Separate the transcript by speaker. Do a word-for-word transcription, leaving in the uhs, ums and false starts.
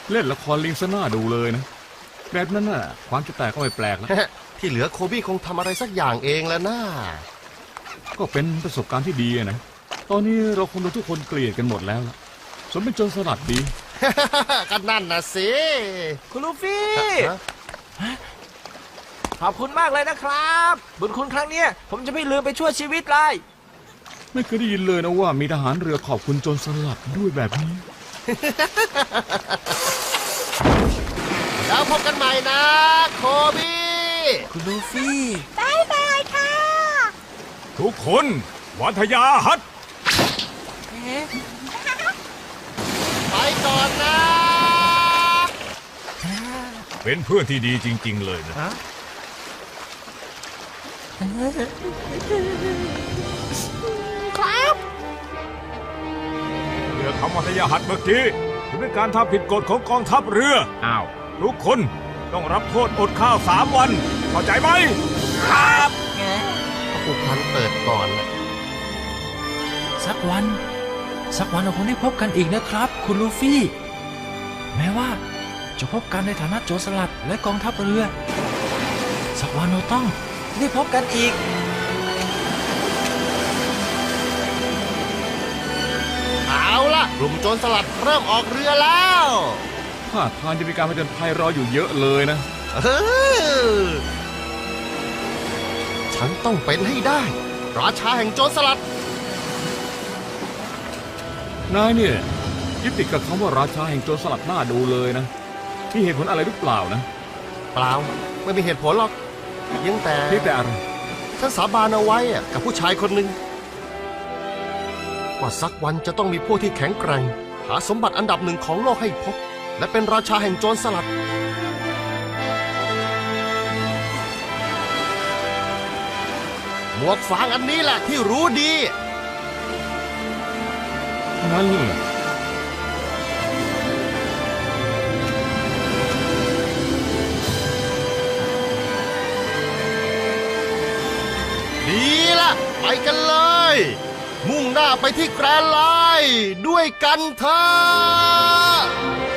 Speaker 1: เล่นละครลิงซะหน้าดูเลยนะแบบนั้นน่ะความจะแตกก็ไม่แปลกแล้ว
Speaker 2: ที่เหลือโคบี้คงทำอะไรสักอย่างเองแล้วนะ
Speaker 1: ก็เป็นประสบการณ์ที่ดีนะ ตอนนี้เราคงโดนทุกคนเกลียดกันหมดแล้วล่ะสมเป็นโจรสลัดดี
Speaker 2: ก็นั่นนะสิ
Speaker 3: คุณลูฟี่
Speaker 2: ฮะ
Speaker 3: ขอบคุณมากเลยนะครับ บุญคุณครั้งเนี้ยผมจะไม่ลืมไปช่วยชีวิตเลย
Speaker 1: ไม่เคยได้ยินเลยนะว่ามีทหารเรือขอบคุณโจรสลัดด้วยแบบนี้
Speaker 2: แล้วพบกันใหม่นะโคบี้
Speaker 3: คุณลูฟี่
Speaker 4: บายบายค่ะ
Speaker 5: ทุกคนวัทยาฮัท
Speaker 2: ไปก่อนนะ
Speaker 5: เป็นเพื่อนที่ดีจริง ๆ เลยนะ
Speaker 4: ครับ
Speaker 5: เรือคำวัทยาฮัทเมื่อกี้ถือเป็นการทำผิดกฎของกองทัพเรือ
Speaker 1: อ้าว
Speaker 5: ทุกคนต้องรับโทษอดข้าวสามวัน เข้าใจไหม
Speaker 3: ครับ
Speaker 2: ผู้พันเปิดก่อนนะ
Speaker 6: สักวัน สักวันเราคงได้พบกันอีกนะครับ คุณลูฟี่ แม้ว่าจะพบกันในฐานะโจรสลัดและกองทัพเรือ สักวันเราต้องได้พบกันอีก
Speaker 2: เอาล่ะกลุ่มโจรสลัดเริ่มออกเรือแล้ว
Speaker 1: ท่าทางจะมีการผจญภัยรออยู่เยอะเลยนะ
Speaker 2: เออฉันต้องเป็นให้ได้ ราชาแห่งโจรสลัด
Speaker 1: นายเนี่ยยึดติดกับคำว่าราชาแห่งโจรสลัดหน้าดูเลยนะมีเหตุผลอะไรหรือเปล่านะ
Speaker 2: เปล่า ไม่มีเหตุผลหรอกยังแต่
Speaker 1: เพียงแต่อะไร
Speaker 2: ฉันสาบานเอาไว้อะกับผู้ชายคนหนึ่งว่าสักวันจะต้องมีพวกที่แข็งแกร่ง หาสมบัติอันดับหนึ่งของโลกให้พบ และเป็นราชาแห่งโจรสลัด หมวกฟางอันนี้แหละที่รู้ดี
Speaker 1: งั้นเหรอ
Speaker 2: ดีละไปกันเลย มุ่งหน้าไปที่แกรนด์ไลน์ด้วยกันเถอะ